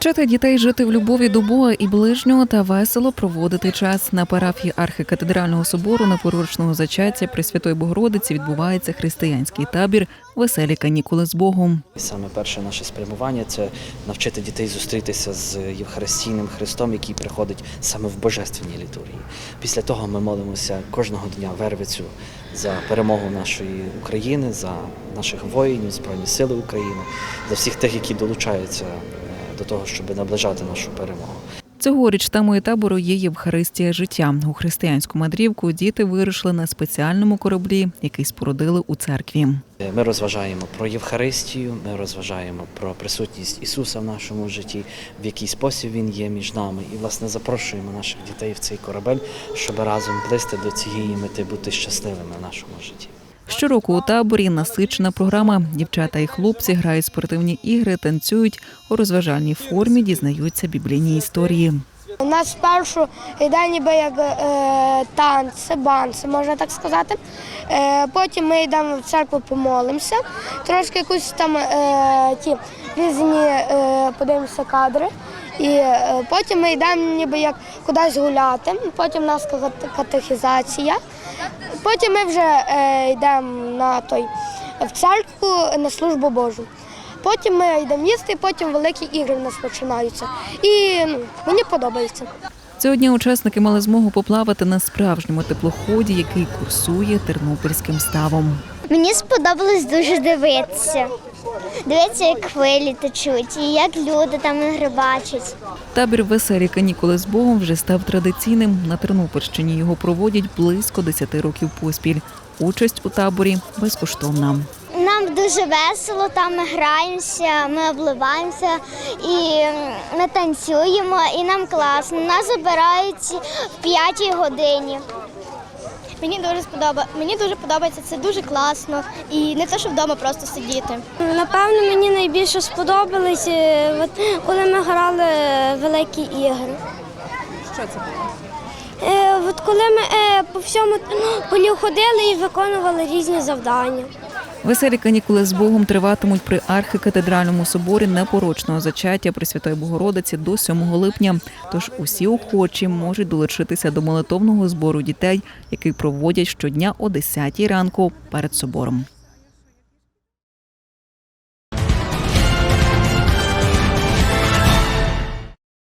Навчати дітей жити в любові до Бога і ближнього та весело проводити час. На парафії Архикатедрального собору Непорочного зачаття Пресвятої Богородиці відбувається християнський табір «Веселі канікули з Богом». Саме перше наше спрямування – це навчити дітей зустрітися з Євхаристійним Христом, який приходить саме в Божественній літургії. Після того ми молимося кожного дня Вервицю за перемогу нашої України, за наших воїнів, Збройні Сили України, за всіх тих, які долучаються до того, щоб наближати нашу перемогу. Цьогоріч темою табору є Євхаристія життя. У християнську мандрівку діти вирушили на спеціальному кораблі, який спорудили у церкві. Ми розважаємо про Євхаристію, ми розважаємо про присутність Ісуса в нашому житті, в який спосіб Він є між нами. І, власне, запрошуємо наших дітей в цей корабель, щоб разом плисти до цієї мети, бути щасливими в нашому житті. Щороку у таборі насичена програма. Дівчата і хлопці грають спортивні ігри, танцюють, у розважальній формі дізнаються біблійні історії. У нас спершу йде ніби як танці, банці, можна так сказати. Потім ми йдемо в церкву, помолимося, трошки якусь там ті різні подивимося кадри. І потім ми йдемо ніби як кудись гуляти, потім у нас катехізація. Потім ми вже йдемо в церкву на службу Божу. Потім ми йдемо їсти, потім великі ігри в нас починаються. І мені подобається. Цього дня учасники мали змогу поплавати на справжньому теплоході, який курсує Тернопільським ставом. Мені сподобалось дуже дивитися. Дивитися, як хвилі течуть і як люди там рибачать. Табір «Веселі канікули з Богом» вже став традиційним. На Тернопільщині його проводять близько 10 років поспіль. Участь у таборі безкоштовна. Нам дуже весело, там ми граємося, ми обливаємося і ми танцюємо, і нам класно. Нас забирають в 5 годині. Мені дуже подобається, це дуже класно і не те, що вдома просто сидіти. Напевно, мені найбільше сподобалось, коли ми грали великі ігри. Що це було? Коли ми по всьому полі ходили і виконували різні завдання. Веселі канікули з Богом триватимуть при Архикатедральному соборі Непорочного зачаття Пресвятої Богородиці до 7 липня. Тож усі охочі можуть долучитися до молитовного збору дітей, який проводять щодня о 10 ранку перед собором.